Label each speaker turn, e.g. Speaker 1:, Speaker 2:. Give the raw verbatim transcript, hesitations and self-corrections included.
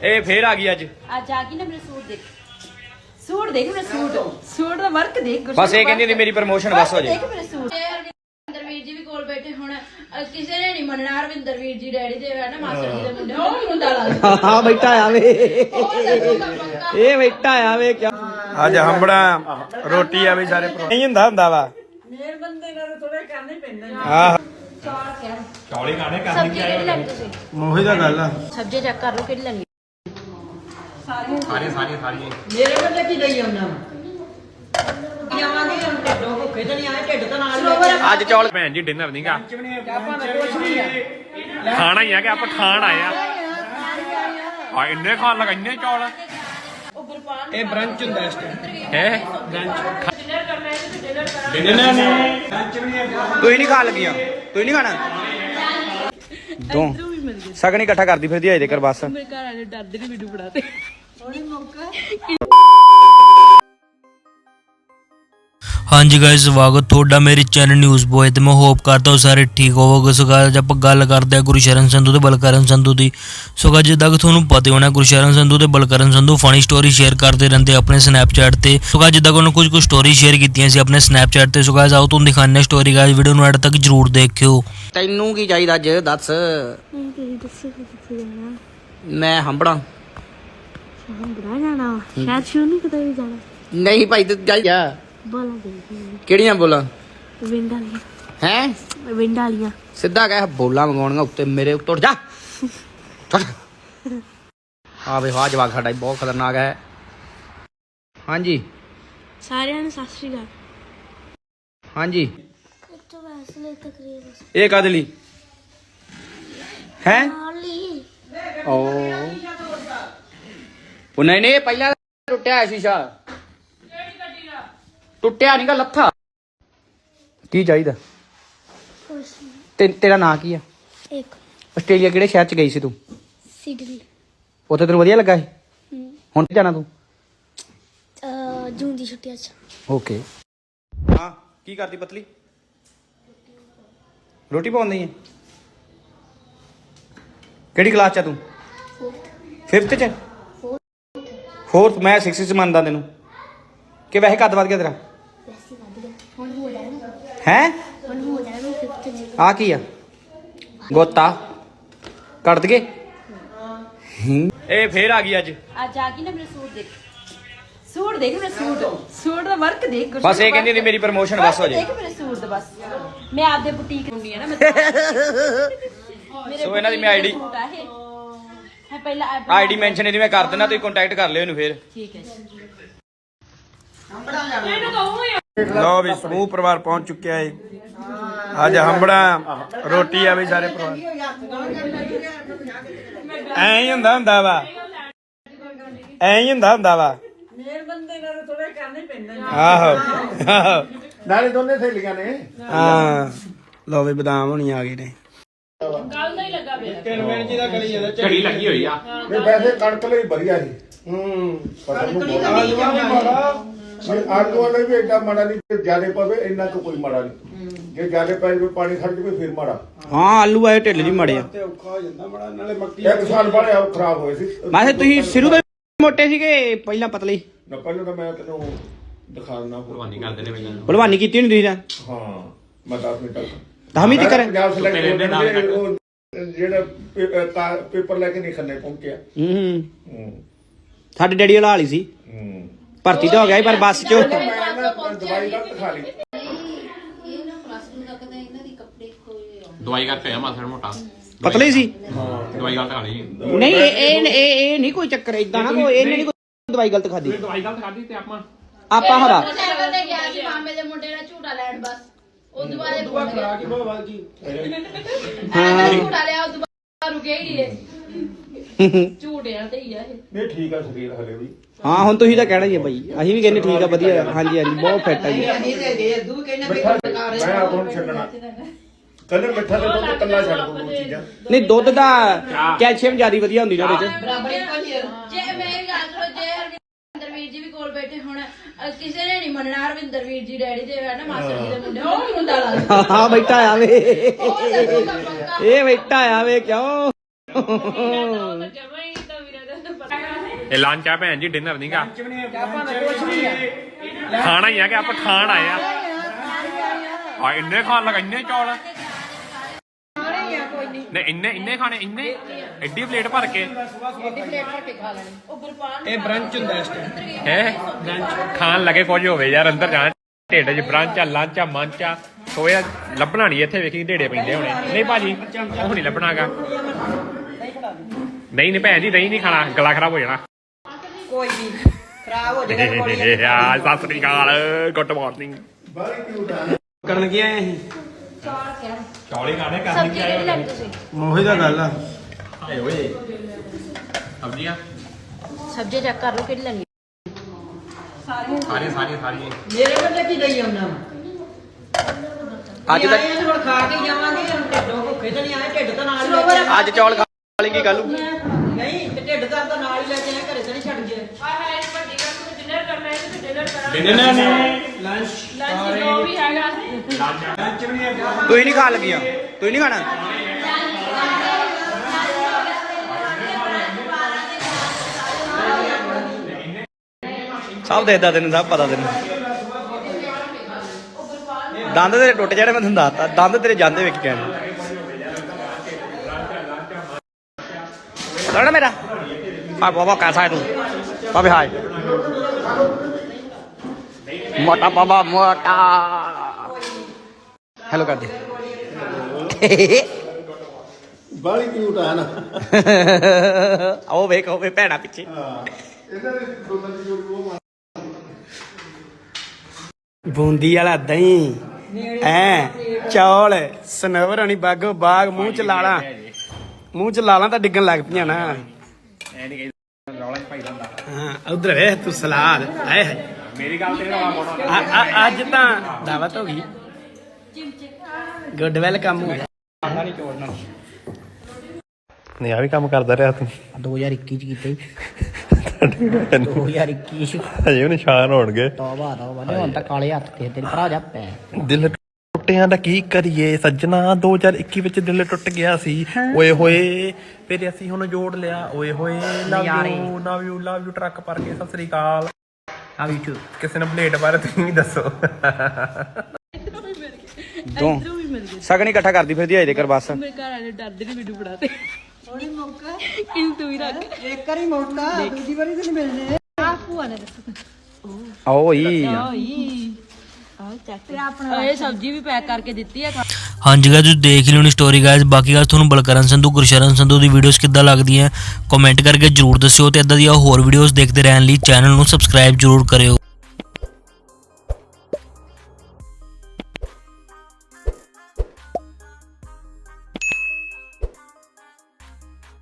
Speaker 1: ਇਹ ਫੇਰ ਆ ਗਈ ਅੱਜ
Speaker 2: ਅੱਜ ਆ ਗਈ ਨਾ। ਮੇਰਾ ਸੂਟ ਦੇਖ, ਸੂਟ ਦੇਖ ਮੇਰਾ ਸੂਟ, ਸੂਟ ਦਾ ਵਰਕ ਦੇਖ।
Speaker 1: ਬਸ ਇਹ ਕਹਿੰਦੀ ਮੇਰੀ ਪ੍ਰਮੋਸ਼ਨ ਬਸ ਹੋ ਜੇ।
Speaker 2: ਦੇਖ ਮੇਰਾ ਸੂਟ। ਰਵਿੰਦਰ ਵੀਰ ਜੀ ਵੀ ਕੋਲ ਬੈਠੇ ਹੁਣ, ਕਿਸੇ ਨੇ ਨਹੀਂ ਮੰਨਣਾ। ਰਵਿੰਦਰ ਵੀਰ ਜੀ ਡੈਡੀ ਦੇ ਹੈ ਨਾ, ਮਾਸਟਰ ਜੀ ਦੇ ਮੁੰਡੇ। ਉਹ ਮੁੰਡਾ ਲੱਗਦਾ
Speaker 1: ਹਾਂ ਬੈਠਾ ਆਵੇ, ਇਹ ਬੈਠਾ ਆਵੇ ਕਿਆ ਅੱਜ ਹੰਬੜਾ ਰੋਟੀ ਆ ਵੀ ਸਾਰੇ ਨਹੀਂ ਹੁੰਦਾ ਹੁੰਦਾ ਵਾ
Speaker 2: ਮੇਰੇ ਬੰਦੇ ਨਾਲ ਥੋੜੇ ਕਰਨੇ ਪੈਂਦੇ।
Speaker 1: ਆਹ
Speaker 2: ਚੌਲੇ ਖਾਣੇ ਕਰਨੇ ਕੀ ਆਏ ਹੋ ਤੁਸੀਂ?
Speaker 1: ਉਹੀ ਤਾਂ ਗੱਲ ਆ।
Speaker 2: ਸਬਜ਼ੀ ਚੈੱਕ ਕਰ ਲਓ ਕਿਹੜੀ ਲੈਣੀ।
Speaker 1: ਸਾਰੇ ਸਾਰੇ ਸਾਰੇ
Speaker 3: ਮੇਰੇ ਵੱਲ ਕੀ ਲਈ ਆਉਣਾ ਜਾਵਾਂਗੇ ਹੁਣ ਢਿੱਡੋਂ ਭੁੱਖੇ ਤਾਂ ਨਹੀਂ ਆਏ, ਢਿੱਡ ਤਾਂ ਨਾਲ
Speaker 1: ਅੱਜ ਚੌਲ ਭੈਣ ਜੀ ਡਿਨਰ ਨਹੀਂਗਾ, ਖਾਣਾ ਹੀ ਆ ਕਿ ਆਪਾਂ ਖਾਣ ਆਏ ਆ। ਆ ਇੰਨੇ ਖਾਣ ਲੱਗਾ, ਇੰਨੇ ਚੌਲ। ਇਹ ਬ੍ਰੰਚ ਹੁੰਦਾ ਇਸ ਟਾਈਮ ਹੈ। ਬ੍ਰੰਚ ਡਿਨਰ ਨੇ ਤੂੰ ਹੀ ਨਹੀਂ ਖਾਣ ਲੱਗੀਆਂ, ਤੂੰ ਹੀ ਨਹੀਂ ਖਾਣਾ। ਦੋ ਸਗਨ ਇਕੱਠਾ ਕਰਦੀ ਫਿਰਦੀ ਅਜੇ ਤੱਕ ਬਸ।
Speaker 2: ਮੇਰੇ ਘਰ ਵਾਲੇ ਡਰਦੇ ਨੇ ਵੀਡੀਓ ਬਣਾਤੇ।
Speaker 4: हाँ जी गाइस, स्वागत थोड़ा मेरे चैनल न्यूज़ बॉय ते मैं होप करता हूँ सारे ठीक होवोगे। सो गाइस आप गल करते हैं गुरशरण संधू ते बलकरण संधू की। सो गाइस जिद्दां कि तुहानूं पता होना गुरशरण संधू ते Balkaran Sandhu funny story share करते रहते अपने स्नैपचैट ते। सो गाइस जिद्दां कि उन्होंने कुछ कुछ स्टोरी शेयर कीतियां सी अपने स्नैपचैट ते। सो गाइस आओ तुहानूं दिखाने स्टोरी। गाइस वीडियो नूं एंड तक जरूर देखियो।
Speaker 1: ਤੈਨੂੰ ਕੀ ਚਾਹੀਦਾ ਅੱਜ ਦੱਸ। ਮੈਂ ਹੰਬੜਾ
Speaker 5: ਹੰਬੜਾ ਜਾਣਾ ਸ਼ਾਇਦ ਸ਼ੂ ਨਹੀਂ ਕਿਤੇ ਵੀ ਜਾਣਾ।
Speaker 1: ਨਹੀਂ ਭਾਈ ਤੂੰ ਜਾ ਜਾ।
Speaker 5: ਬੋਲਾਂ ਦੇ
Speaker 1: ਕਿਹੜੀਆਂ ਬੋਲਾਂ
Speaker 5: ਵਿੰਡ ਵਾਲੀਆਂ
Speaker 1: ਹੈ?
Speaker 5: ਵਿੰਡ ਵਾਲੀਆਂ
Speaker 1: ਸਿੱਧਾ ਕਹਿ ਬੋਲਾਂ ਮੰਗਾਉਣੀਆਂ ਉੱਤੇ ਮੇਰੇ ਉੱਤੋਂ ਜਾ। ਆ ਵੇ ਵਾਹ ਜਵਾਕ ਸਾਡਾ ਬਹੁਤ ਖਤਰਨਾਕ ਹੈ। ਹਾਂਜੀ
Speaker 5: ਸਾਰਿਆਂ ਨੂੰ ਸਤਿ ਸ਼੍ਰੀ ਅਕਾਲ।
Speaker 1: ਹਾਂਜੀ
Speaker 5: ਇੱਕ ਵੈਸਲੇ ਤਕਰੀਰ
Speaker 1: ਇਹ ਕਾਹਦੇ ਲਈ ਹੈ?
Speaker 5: ਹਾਲੀ
Speaker 1: ਓ ਉਹ ਨਹੀਂ ਨਹੀਂ ਪਹਿਲਾਂ ਟੁੱਟਿਆ ਹੈ ਸ਼ੀਸ਼ਾ। ਟੁੱਟਿਆ ਨਹੀਂਗਾ, ਲੱਥਾ। ਕੀ ਚਾਹੀਦਾ ਤੇ ਤੇਰਾ ਨਾਂ ਕੀ ਆ?
Speaker 5: ਇੱਕ
Speaker 1: ਆਸਟ੍ਰੇਲੀਆ ਕਿਹੜੇ ਸ਼ਹਿਰ ਚ ਗਈ ਸੀ ਤੂੰ?
Speaker 5: ਸਿਡਨੀ
Speaker 1: ਉੱਥੇ ਤੈਨੂੰ ਵਧੀਆ ਲੱਗਾ ਸੀ? ਹੁਣ ਤੇ ਜਾਣਾ ਤੂੰ?
Speaker 5: ਅ ਜੂਨ ਦੀ ਛੁੱਟੀਆਂ ਚ।
Speaker 1: ਓਕੇ। ਹਾਂ ਕੀ ਕਰਦੀ ਪਤਲੀ? ਰੋਟੀ ਪਾਉਂਦੀ ਹੈ? ਕਿਹੜੀ ਕਲਾਸ ਚ ਆ ਤੂੰ? ਫਿਫਥ ਚ? ਫੋਰਥ। ਮੈਂ ਸਿਕਸ ਚ ਮੰਨਦਾ ਤੈਨੂੰ। ਕਿ ਵੈਸੇ ਕੱਦ ਵੱਧ ਗਿਆ ਤੇਰਾ?
Speaker 5: ਵੈਸੇ ਵੱਧ ਗਿਆ ਹੁਣ ਹੋ ਜਾਣਾ।
Speaker 1: ਹੈ
Speaker 5: ਹੁਣ ਹੋ ਜਾਣਾ ਮੈਂ ਫਿਫਥ ਚ।
Speaker 1: ਆ ਕੀ ਆ? ਗੋਤਾ ਕੱਢ ਦਗੇ। ਇਹ ਫੇਰ ਆ ਗਈ ਅੱਜ
Speaker 2: ਅੱਜ ਆ ਗਈ ਨਾ। ਮੇਰਾ ਸੂਟ ਦੇਖ, ਸੂਟ ਦੇਖ ਮੇਰਾ ਸੂਟ, ਸੂਟ ਦਾ ਵਰਕ ਦੇਖ।
Speaker 1: ਬਸ ਇਹ ਕਹਿੰਦੀ ਮੇਰੀ ਪ੍ਰਮੋਸ਼ਨ ਬਸ ਹੋ ਜੇ।
Speaker 2: ਦੇਖ ਮੇਰੇ ਸੂਟ ਦਾ ਬਸ। ਮੈਂ ਆਪਦੇ ਬੁਟੀਕ ਹੁੰਦੀ ਆ ਨਾ।
Speaker 1: ਸੋ ਇਹਨਾਂ ਦੀ ਮੈਂ ਆਈਡੀ
Speaker 2: ਸੂਟ ਆ ਇਹ ਹੈ। ਪਹਿਲਾਂ
Speaker 1: ਆਈਡੀ ਮੈਂਸ਼ਨ ਇਹਦੀ ਮੈਂ ਕਰ ਦੇਣਾ, ਤੁਸੀਂ ਕੰਟੈਕਟ ਕਰ ਲਿਓ ਇਹਨੂੰ ਫੇਰ।
Speaker 2: ਠੀਕ ਹੈ ਜੀ।
Speaker 1: ਲਓ ਵੀ ਸਮੂਹ ਪਰਿਵਾਰ ਪਹੁੰਚ ਚੁੱਕਿਆ ਹੈ ਅੱਜ ਹੰਬੜਾ ਰੋਟੀ ਆ ਵੀ ਸਾਰੇ ਪਰਿਵਾਰ। ਐਂ ਹੀ ਹੁੰਦਾ ਹੁੰਦਾ ਵਾ, ਐਂ ਹੀ ਹੁੰਦਾ ਹੁੰਦਾ ਵਾ।
Speaker 3: ਮੇਰੇ ਬੰਦੇ ਨਾਲ ਥੋੜੇ ਕਰਨੇ ਪੈਂਦੇ।
Speaker 1: ਆਹੋ ਆਹੋ
Speaker 6: ਨਾਲੇ ਦੋਨੇ ਸਹੇਲੀਆਂ ਨੇ।
Speaker 1: ਹਾਂ ਲਓ ਵੀ ਬਦਾਮ ਹੋਣੀ ਆ ਗਏ ਨੇ।
Speaker 2: ਕੱਲ ਦਾ ਹੀ ਲੱਗਾ ਪਿਆ।
Speaker 1: ਝੜੀ ਲੱਗੀ ਹੋਈ ਆ।
Speaker 6: ਇਹ ਵੈਸੇ ਕਣਕ ਲਈ ਵਧੀਆ ਸੀ। ਹੂੰ ਫਸਲ ਨੂੰ ਬਹੁਤ ਆਲੂ ਵਾਲੇ ਵੀ ਏਡਾ ਮਾੜਾ ਨਹੀਂ। ਜੇ ਜ਼ਿਆਦਾ ਪਵੇ ਇੰਨਾ ਕੁ ਕੋਈ ਮਾੜਾ ਨਹੀਂ। ਜੇ ਜ਼ਿਆਦਾ ਪੈ ਜਾਵੇ ਪਾਣੀ ਖੜ ਜਾਵੇ ਫਿਰ ਮਾੜਾ।
Speaker 1: ਹਾਂ ਆਲੂ ਆਏ ਢਿੱਲ ਜੀ ਮਾੜੇ ਆ।
Speaker 6: ਇੱਕ ਸਾਲ ਬਾਅਦ ਉਹ ਖਰਾਬ ਹੋਏ ਸੀ।
Speaker 1: ਮੈਂ ਕਿਹਾ ਤੁਸੀਂ ਸ਼ੁਰੂ ਤੋਂ ਮੋਟੇ ਸੀਗੇ ਪਹਿਲਾਂ ਪਤਲੇ?
Speaker 6: ਨਾ ਪਹਿਲਾਂ ਤਾਂ ਮੈਂ ਤੈਨੂੰ ਦਿਖਾ ਦਿੰਦਾ। ਭਲਵਾਨੀ ਕਰਦੇ ਨੇ ਪਹਿਲਾਂ।
Speaker 1: ਭਲਵਾਨੀ ਕੀਤੀ ਨਹੀਂ ਤੁਸੀਂ ਤਾਂ?
Speaker 6: ਹਾਂ ਮੈਂ ਦਸ ਮਿੰਟ ਤੱਕ
Speaker 1: ਦਸਵੀਂ ਤੱਕ ਕਰ?
Speaker 6: ਪੰਜਾਬ ਸਿਲੈਕਟ ਜਿਹੜਾ ਪੇਪਰ ਲੈ ਕੇ ਨਹੀਂ ਖੰਨੇ ਪਹੁੰਚਿਆ।
Speaker 1: ਹੂੰ
Speaker 6: ਹੂੰ
Speaker 1: ਸਾਡੇ ਡੈਡੀ ਵਾਲਾ ਹਾਲ ਹੀ ਸੀ।
Speaker 6: ਹੂੰ
Speaker 1: ਭਰਤੀ ਤਾਂ ਹੋ ਗਿਆ ਸੀ ਪਰ ਬੱਸ ਚ।
Speaker 6: ਮੈਂ ਦਵਾਈ ਗਲਤ ਖਾ ਲਈ।
Speaker 7: ਦਵਾਈ ਕਰਕੇ ਆਇਆ ਮਾਸੜ ਮੋਟਾ।
Speaker 1: ਪਤਲੇ ਸੀ?
Speaker 7: ਦਵਾਈ ਗਲਤ ਖਾ ਲਈ।
Speaker 1: ਨਹੀਂ ਇਹ ਇਹ ਇਹ ਨਹੀਂ ਕੋਈ ਚੱਕਰ ਇਦਾਂ ਨਾ ਕੋਈ। ਇਹਨੇ ਨਹੀਂ ਕੋਈ ਦਵਾਈ ਗਲਤ ਖਾਦੀ।
Speaker 7: ਦਵਾਈ ਗਲਤ ਖਾਦੀ ਤੇ ਆਪਾਂ
Speaker 1: ਆਪਾਂ ਹਵਾ
Speaker 2: ਸਾਈਕਲ ਤੇ ਗਿਆ ਸੀ ਮਾਮੇ ਦੇ ਮੁੰਡੇ ਨਾਲ ਝੂਟਾ ਲੈਣ। ਬਸ ਉਹ ਦੁਬਾਰੇ ਫੋਨ ਗਿਆ।
Speaker 1: ਹਾਂ
Speaker 2: ਝੂਟਾ ਲਿਆ ਉਹ ਦੁਬਾਰਾ ਰੁਕਿਆ ਹੀ ਨਹੀਂ। ਝੂਟਿਆਂ ਤੇ ਹੀ ਆ ਇਹ।
Speaker 6: ਨਹੀਂ ਠੀਕ ਆ ਸਰੀਰ ਹਲੇ ਵੀ।
Speaker 1: ਹਾਂ ਹੁਣ ਤੁਸੀਂ ਤਾਂ ਕਹਿਣਾ ਹੀ ਹੈ ਬਾਈ। ਅਸੀਂ ਵੀ ਕਹਿੰਦੇ ਠੀਕ ਆ ਵਧੀਆ। ਹਾਂਜੀ ਹਾਂਜੀ ਬਹੁਤ ਫਿੱਟ ਆ ਜੀ।
Speaker 6: ਮੈਂ ਆਪ ਨੂੰ ਛੱਡਣਾ ਕਹਿੰਦੇ ਮਿੱਠਾ ਤੇ ਦੁੱਧ ਕੱਲਾ ਛੱਡ ਦੋ ਚੀਜ਼ਾਂ।
Speaker 1: ਨਹੀਂ ਦੁੱਧ ਦਾ ਕੈਲਸ਼ੀਅਮ ਜ਼ਿਆਦਾ ਵਧੀਆ ਹੁੰਦੀ ਨਾ ਉਹਦੇ ਚ।
Speaker 2: ਜੇ ਮੇਰੀ ਗੱਲ ਸੁਣੋ, ਜੇ ਰਵਿੰਦਰ ਵੀਰ ਜੀ ਵੀ ਕੋਲ ਬੈਠੇ ਹੁਣ, ਕਿਸੇ ਨੇ ਨਹੀਂ ਮੰਨਣਾ। ਰਵਿੰਦਰ ਵੀਰ ਜੀ ਡੈਡੀ ਦੇ ਹੈ ਨਾ, ਮਾਸਟਰ ਜੀ ਦੇ ਮੁੰਡੇ। ਉਹ ਮੁੰਡਾ ਲੱਗਦਾ
Speaker 1: ਹਾਂ ਬੈਠਾ ਆਵੇ, ਇਹ ਬੈਠਾ ਆਵੇ ਕਿਉਂ? ਇਹ ਲੰਚ ਆ ਭੈਣ ਜੀ ਡਿਨਰ ਨਹੀਂਗਾ ਖਾਣਾ ਹੀ ਆ ਕਿ ਆਪਾਂ ਖਾਣ ਆਏ ਆ ਆ ਇੰਨੇ ਖਾਣ ਲੱਗਾ ਇੰਨੇ ਚੌਲ ਨਹੀਂ ਇੰਨੇ ਇੰਨੇ ਖਾਣੇ ਇੰਨੇ ਐਡੀ ਪਲੇਟ ਭਰ ਕੇ
Speaker 3: ਇਹ ਬ੍ਰੰਚ ਹੁੰਦਾ ਇਸ ਟਾਈਮ
Speaker 1: ਹੈ ਖਾਣ ਲੱਗੇ ਕੁਝ ਹੋਵੇ ਯਾਰ ਅੰਦਰ ਜਾਣਾ ਢਿੱਡ 'ਚ ਬ੍ਰੰਚ ਆ ਲੰਚ ਆ ਮੰਚ ਆ ਸੋਇਆ ਲੱਭਣਾ ਨਹੀਂ ਇੱਥੇ ਵੇਖੀ ਢੇੜੇ ਪੈਂਦੇ ਹੋਣੇ ਨਹੀਂ ਭਾਜੀ ਉਹ ਨਹੀਂ ਲੱਭਣਾਗਾ ਨਹੀਂ ਨਹੀਂ ਭੈਣ ਜੀ ਦਹੀਂ ਨਹੀਂ ਖਾਣਾ ਗਲਾ ਖਰਾਬ ਹੋ ਜਾਣਾ
Speaker 3: ਕੋਈ ਨਹੀਂ ਖਰਾਬ ਹੋ ਜਾਏਗਾ ਕੋਈ
Speaker 1: ਯਾਰ ਸਤਿ ਸ੍ਰੀ ਅਕਾਲ ਗੁੱਡ ਮਾਰਨਿੰਗ
Speaker 3: ਕਰਨ ਕੀ ਆਏ ਅਸੀਂ
Speaker 1: ਚੌਲੇ ਖਾਣੇ
Speaker 2: ਸਬਜ਼ੀ ਕਿਹੜੀ ਲੈਣੀ ਤੁਸੀਂ
Speaker 3: ਉਹੀ ਤਾਂ ਗੱਲ ਆ
Speaker 1: ਹਾਏ ਓਏ ਸਬਜ਼ੀਆਂ
Speaker 2: ਸਬਜ਼ੀ ਚੈੱਕ ਕਰ ਲਓ ਕਿਹੜੀ ਲੈਣੀ
Speaker 1: ਸਾਰੀਆਂ ਸਾਰੀਆਂ ਸਾਰੀਆਂ
Speaker 3: ਮੇਰੇ ਵੱਲੋਂ ਕੀ ਲਈ ਆਉਣਾ ਅੱਜ ਤੱਕ ਹੁਣ ਖਾ ਕੇ ਜਾਵਾਂਗੇ ਹੁਣ ਢਿੱਡੋਂ ਭੁੱਖੇ ਤਾਂ ਨਹੀਂ ਆਏ ਢਿੱਡ ਤਾਂ ਨਾਲ ਹੀ ਲੈ ਕੇ
Speaker 8: ਅੱਜ ਚੌਲ ਖਾ ਲੇਂਗੀ ਕੱਲ ਨੂੰ
Speaker 3: ਨਹੀਂ ਤੇ ਢਿੱਡ ਦਾ ਤਾਂ ਨਾਲ ਹੀ ਲੈ ਕੇ ਆਏ ਘਰੇ ਤਾਂ ਨਹੀਂ ਛੱਡ ਗਏ
Speaker 1: ਡਿਨਰ ਨੇ
Speaker 3: ਲੰਚ
Speaker 2: ਜੋ ਵੀ ਹੈਗਾ
Speaker 8: ਤੁਸੀਂ ਨਹੀਂ ਖਾਣ ਲੱਗੀਆਂ ਤੁਸੀਂ ਨਹੀਂ ਖਾਣਾ ਸਭ ਦੇਖਦਾ ਤੈਨੂੰ ਸਭ ਪਤਾ ਤੈਨੂੰ ਦੰਦ ਤੇਰੇ ਟੁੱਟ ਜਾਣੇ ਮੈਂ ਤੈਨੂੰ ਦੱਸਤਾ ਦੰਦ ਤੇਰੇ ਜਾਂਦੇ ਵੇਖ ਕੇ ਲੜਾ ਮੇਰਾ ਆ ਬਾਬਾ ਕੈਸਾ ਹੈ ਤੂੰ ਬਾਬੇ ਹਾय मोटा बाबा मोटा हेलो कर दे
Speaker 6: ਬਾਲੀ ਕਿਊਟ ਆ ਨਾ
Speaker 8: आओ ਵੇਖ ਉਹ ਭੈਣਾ ਪਿੱਛੇ
Speaker 6: ਇਹਨਾਂ ਦੇ ਦੋਨਾਂ ਦੀ ਜੋੜੀ ਉਹ
Speaker 8: ਬੂੰਦੀ ਵਾਲਾ ਦਹੀਂ ਐ ਚੌਲ ਸਨਵਰ ਹੋਣੀ ਬਾਗੋ ਬਾਗ ਮੂੰਹ ਚ ਲਾਲਾ ਮੂੰਹ ਚ ਲਾਲਾ ਤਾਂ ਡਿੱਗਣ ਲੱਗ ਪਈਆਂ ਨਾ
Speaker 1: ਐ ਨਹੀਂ ਰੌਲਾ ਚ ਭਾਈ ਦਾ
Speaker 8: ਹਾਂ ਉਧਰ ਵੇਖ ਤੂੰ ਸਲਾਦ ਆਏ ਹੈ
Speaker 1: ਮੇਰੀ ਗੱਲ ਤੇ ਰੌਲਾ ਪਾਉਣਾ
Speaker 8: ਅੱਜ ਤਾਂ ਦਾਵਤ ਹੋ ਗਈ ਗੁੱਡ ਵੈਲਕਮ ਹੋ ਗਿਆ ਨਹੀਂ ਚੋੜਨਾ
Speaker 1: ਨਹੀਂ ਆ ਵੀ ਕੰਮ ਕਰਦਾ ਰਿਹਾ ਤੂੰ
Speaker 8: ਦੋ ਹਜ਼ਾਰ ਇੱਕੀ ਚ ਕੀਤਾ ਦੋ ਹਜ਼ਾਰ ਇੱਕੀ ਚ
Speaker 1: ਹਜੇ ਉਹ ਨਿਸ਼ਾਨ ਹੋਣਗੇ
Speaker 8: ਤੋਬਾ ਤੋਬਾ ਨਹੀਂ ਹੁਣ ਤਾਂ ਕਾਲੇ ਹੱਥ ਤੇ ਤੇਰੇ ਭਰਾ ਜਾ ਪੈ
Speaker 1: ਦਿਲ ਟੁੱਟਿਆਂ ਦਾ ਕੀ ਕਰੀਏ ਸੱਜਣਾ ਦੋ ਹਜ਼ਾਰ ਇੱਕੀ ਵਿੱਚ ਦਿਲ ਟੁੱਟ ਗਿਆ ਸੀ ਓਏ ਹੋਏ ਫਿਰ ਅਸੀਂ ਹੁਣ ਜੋੜ ਲਿਆ ਓਏ ਹੋਏ love you love you love you truck ਪਰ ਕੇ ਸਤਿ ਸ੍ਰੀ ਅਕਾਲ
Speaker 8: ਆ ਵੀ ਚੂ
Speaker 1: ਕਿਸੇ ਨੇ ਪਲੇਟ ਬਾਰੇ ਤੁਸੀਂ ਵੀ ਦੱਸੋ
Speaker 8: ਦੋ ਸਗਨ ਇਕੱਠਾ ਕਰਦੀ ਫਿਰਦੀ ਆਏ ਦੇ ਕਰ ਬਸ
Speaker 2: ਮੇਰੇ ਘਰ ਵਾਲੇ ਡਰਦੇ ਨੇ ਮੈਨੂੰ ਫੜਾ ਤੇ ਉਹਨੇ ਮੌਕਾ ਕਿਸ ਤੂੰ ਹੀ ਰੱਖ
Speaker 3: ਇੱਕ ਵਾਰੀ ਮੌਕਾ ਦੂਜੀ ਵਾਰੀ ਤਾਂ ਨਹੀਂ ਮਿਲਣੇ
Speaker 2: ਆ ਭੂਆ ਨੇ ਦੱਸੋ
Speaker 8: ਓਈ
Speaker 2: ਓਈ ਆ ਚੱਕ ਆਪਣਾ ਇਹ ਸਬਜ਼ੀ ਵੀ ਪੈਕ ਕਰਕੇ ਦਿੱਤੀ ਹੈ
Speaker 4: ਹਾਂਜੀ ਗਾਇਸ ਤੁਸੀਂ ਦੇਖ ਲਿਓ ਨੀ ਸਟੋਰੀ ਗਾਇਸ ਬਾਕੀ ਗੱਲ ਤੁਹਾਨੂੰ ਬਲਕਰਨ ਸੰਧੂ ਗੁਰਸ਼ਰਨ ਸੰਧੂ ਦੀ ਵੀਡੀਓਜ਼ ਕਿੱਦਾਂ ਲੱਗਦੀਆਂ ਕਮੈਂਟ ਕਰਕੇ ਜਰੂਰ ਦੱਸਿਓ ਤੇ ਇਦਾਂ ਦੀਆਂ ਹੋਰ ਵੀਡੀਓਜ਼ ਦੇਖਦੇ ਰਹਿਣ ਲਈ ਚੈਨਲ ਨੂੰ ਸਬਸਕ੍ਰਾਈਬ ਜਰੂਰ ਕਰਿਓ।